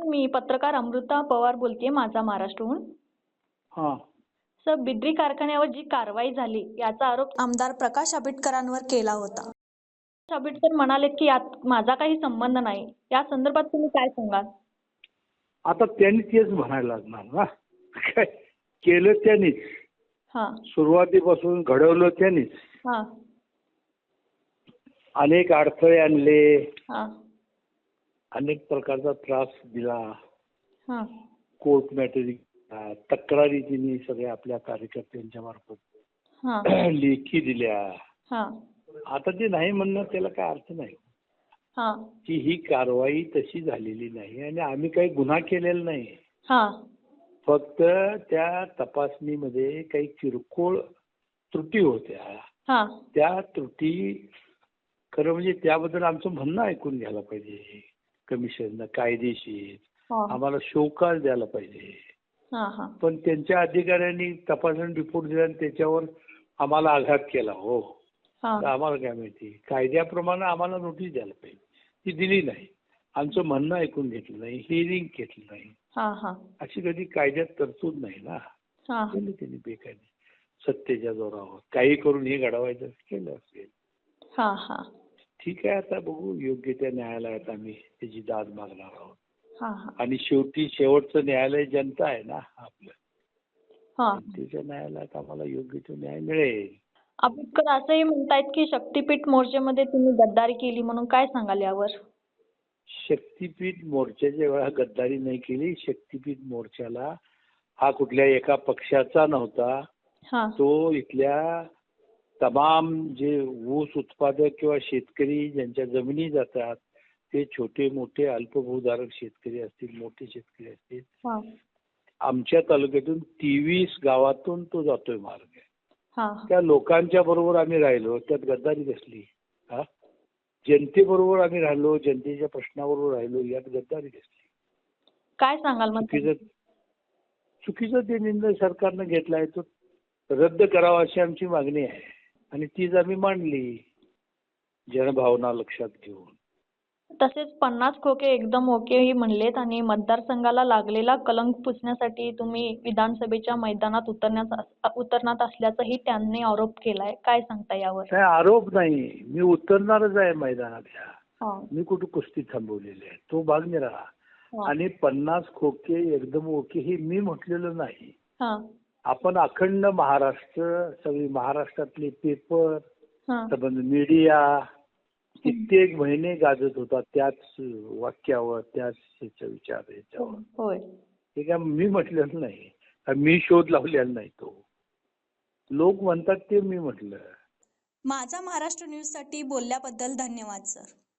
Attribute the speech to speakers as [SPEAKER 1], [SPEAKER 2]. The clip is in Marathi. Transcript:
[SPEAKER 1] सर, मी पत्रकार अमृता पवार बोलतेय, माझा महाराष्ट्रहून.
[SPEAKER 2] हां.
[SPEAKER 1] सर, बिद्री कारखान्यावर जी कारवाई झाली याचा आरोप आमदार प्रकाश आंबेडकरांवर केला होता. प्रकाश आंबेडकर म्हणाले की यात माझा काही संबंध नाही. या संदर्भात तुम्ही काय सांगाल?
[SPEAKER 2] आता त्यांनी तेच म्हणायला लागणार ना. काय केलं त्यांनीच,
[SPEAKER 1] हां
[SPEAKER 2] सुरुवातीपासून घडवलं त्यांनीच.
[SPEAKER 1] हां
[SPEAKER 2] अनेक अडथळे आणले,
[SPEAKER 1] हां
[SPEAKER 2] अनेक प्रकारचा त्रास दिला,
[SPEAKER 1] हां
[SPEAKER 2] कोर्ट मॅटरी तक्रारी तिने सगळ्या आपल्या कार्यकर्त्यांच्या मार्फत
[SPEAKER 1] हां
[SPEAKER 2] लेखी दिल्या.
[SPEAKER 1] हां
[SPEAKER 2] आता ते नाही म्हणणं त्याला काय अर्थ नाही
[SPEAKER 1] हां
[SPEAKER 2] की ही कारवाई तशी झालेली नाही आणि आम्ही काही गुन्हा केलेला नाही.
[SPEAKER 1] हां
[SPEAKER 2] फक्त त्या तपासणीमध्ये काही किरकोळ त्रुटी होत्या.
[SPEAKER 1] हां
[SPEAKER 2] त्या त्रुटी खरं म्हणजे त्याबद्दल आमचं म्हणणं ऐकून घ्यायला पाहिजे. कमिशननं कायदेशीर
[SPEAKER 1] हां
[SPEAKER 2] आम्हाला शोकाज द्यायला पाहिजे.
[SPEAKER 1] हां हां
[SPEAKER 2] पण त्यांच्या अधिकाऱ्यांनी तपासणी रिपोर्ट दिला आणि त्याच्यावर आम्हाला आघात केला. हो,
[SPEAKER 1] हां
[SPEAKER 2] तर आम्हाला काय माहिती, कायद्याप्रमाणे आम्हाला नोटीस द्यायला पाहिजे, ती दिली नाही. आमचं म्हणणं ऐकून घेतलं नाही, हिअरिंग घेतलं नाही.
[SPEAKER 1] हां हां
[SPEAKER 2] अशी कधी कायद्यात तरतूद नाही ना.
[SPEAKER 1] हां
[SPEAKER 2] केली त्यांनी बेकायदे सत्तेच्या जोरावर काही करून हे घडवायचं केलं असेल.
[SPEAKER 1] हां हां
[SPEAKER 2] ठीक आहे, आता बघू, योग्य त्या न्यायालयात आम्ही त्याची दाद मागणार आहोत.
[SPEAKER 1] हां हां
[SPEAKER 2] आणि शेवटी शेवटचं न्यायालय जनता आहे ना आपलं.
[SPEAKER 1] हां
[SPEAKER 2] जनतेच्या न्यायालयात आम्हाला योग्य तो न्याय मिळेल.
[SPEAKER 1] आंबेडकर असंही म्हणतायत की शक्तीपीठ मोर्चामध्ये तुम्ही गद्दारी केली, म्हणून काय सांगाल यावर?
[SPEAKER 2] शक्तीपीठ मोर्चाच्या वेळा गद्दारी नाही केली. शक्तीपीठ मोर्चाला हा कुठल्या एका पक्षाचा नव्हता.
[SPEAKER 1] हां
[SPEAKER 2] तो इथल्या तमाम जे ऊस उत्पादक किंवा शेतकरी ज्यांच्या जमिनी जातात ते छोटे मोठे अल्पभूधारक शेतकरी असतील, मोठे शेतकरी असतील,
[SPEAKER 1] हां
[SPEAKER 2] आमच्या तालुक्यातून 23 गावातून तो जातोय मार्ग.
[SPEAKER 1] हां
[SPEAKER 2] त्या लोकांच्या बरोबर आम्ही राहिलो, त्यात गद्दारी कसली? हा, जनतेबरोबर आम्ही राहिलो, जनतेच्या प्रश्नाबरोबर राहिलो, यात गद्दारी कसली?
[SPEAKER 1] काय सांगाल मग?
[SPEAKER 2] चुकीचा ते निर्णय सरकारनं घेतलाय तो रद्द करावा अशी आमची मागणी आहे आणि तीच आम्ही मांडली जनभावना लक्षात घेऊन.
[SPEAKER 1] तसेच 50 खोके एकदम ओकेही म्हणलेत आणि मतदारसंघाला लागलेला कलंक पुसण्यासाठी तुम्ही विधानसभेच्या मैदानात उतरणार असल्याचाही त्यांनी आरोप केलाय. काय सांगता यावर?
[SPEAKER 2] काय आरोप नाही, मी उतरणारच आहे मैदानात.
[SPEAKER 1] हां
[SPEAKER 2] मी कुठं कुस्ती थांबवलेली आहे, तो भाग मी राहा.
[SPEAKER 1] हां
[SPEAKER 2] आणि 50 खोके एकदम ओके हे मी म्हटलेलं नाही.
[SPEAKER 1] हां
[SPEAKER 2] आपण अखंड महाराष्ट्र, सगळी महाराष्ट्रातले पेपर,
[SPEAKER 1] हां
[SPEAKER 2] संबंध मीडिया कित्येक महिने गाजत होता त्याच वाक्यावर, त्याच विचार याच्यावर.
[SPEAKER 1] होय
[SPEAKER 2] हे काय मी म्हटलेलं नाही, मी शोध लावलेला नाही. तो लोक म्हणतात ते मी म्हटलं.
[SPEAKER 3] माझा महाराष्ट्र न्यूज साठी बोलल्याबद्दल धन्यवाद सर.